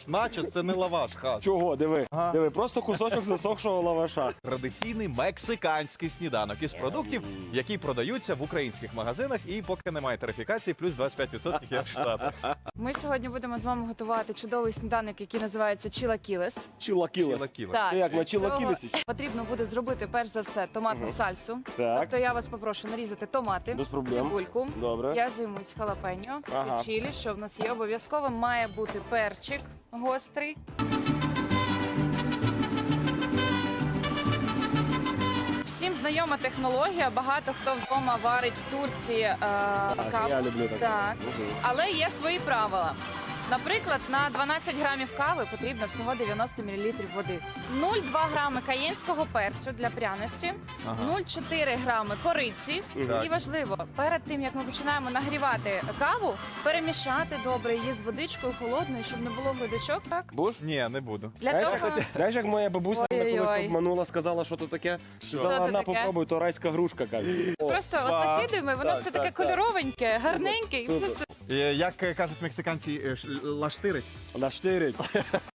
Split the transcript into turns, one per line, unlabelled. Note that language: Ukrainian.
Начос це не лаваш, хас.
Чого? Диви.
Ага.
Диви, просто кусочок засохшого лаваша.
Традиційний мексиканський сніданок із продуктів, які продаються в українських магазинах, і поки немає тарифікації, плюс 25% є в Штатах.
Ми сьогодні будемо з вами готувати чудовий сніданок, який називається чілакілес.
Чілакілес.
Чілакілес.
Так,
Ти як, на
для цього
чілакілесі?
потрібно буде зробити перш за все томатну сальсу.
Так.
Тобто я вас попрошу нарізати томати,
Без проблем.
цибульку.
Добре.
Я займусь халапеньо,
Ага.
чилі, що в нас є. Обов'язково має бути перчик гострий. Всім знайома технологія, багато хто вдома варить в Турції каву.
Я люблю таке.
Так.
Мгм.
Але є свої правила. Наприклад, на 12 грамів кави потрібно всього 90 мл води. 0,2 грами каєнського перцю для пряності,
Ага.
0,4 грами кориці.
Так.
І важливо, перед тим, як ми починаємо нагрівати каву, перемішати добре її з водичкою холодною, щоб не було грудочок. Так?
Будеш?
Ні, не буду.
Для
Знаєш,
того...
Знаєш, як моя бабуся мене колись
Ой-ой-ой.
обманула, сказала, що то таке? Сказала,
Що то
вона
таке?
попробуй, то райська грушка, каже. О,
Просто от
Так,
накидаємо, і воно
так,
все
так,
таке
так.
кольоровеньке, гарненьке. І
Супер.
все.
Як кажуть мексиканці, лаштирить.
вона штирить.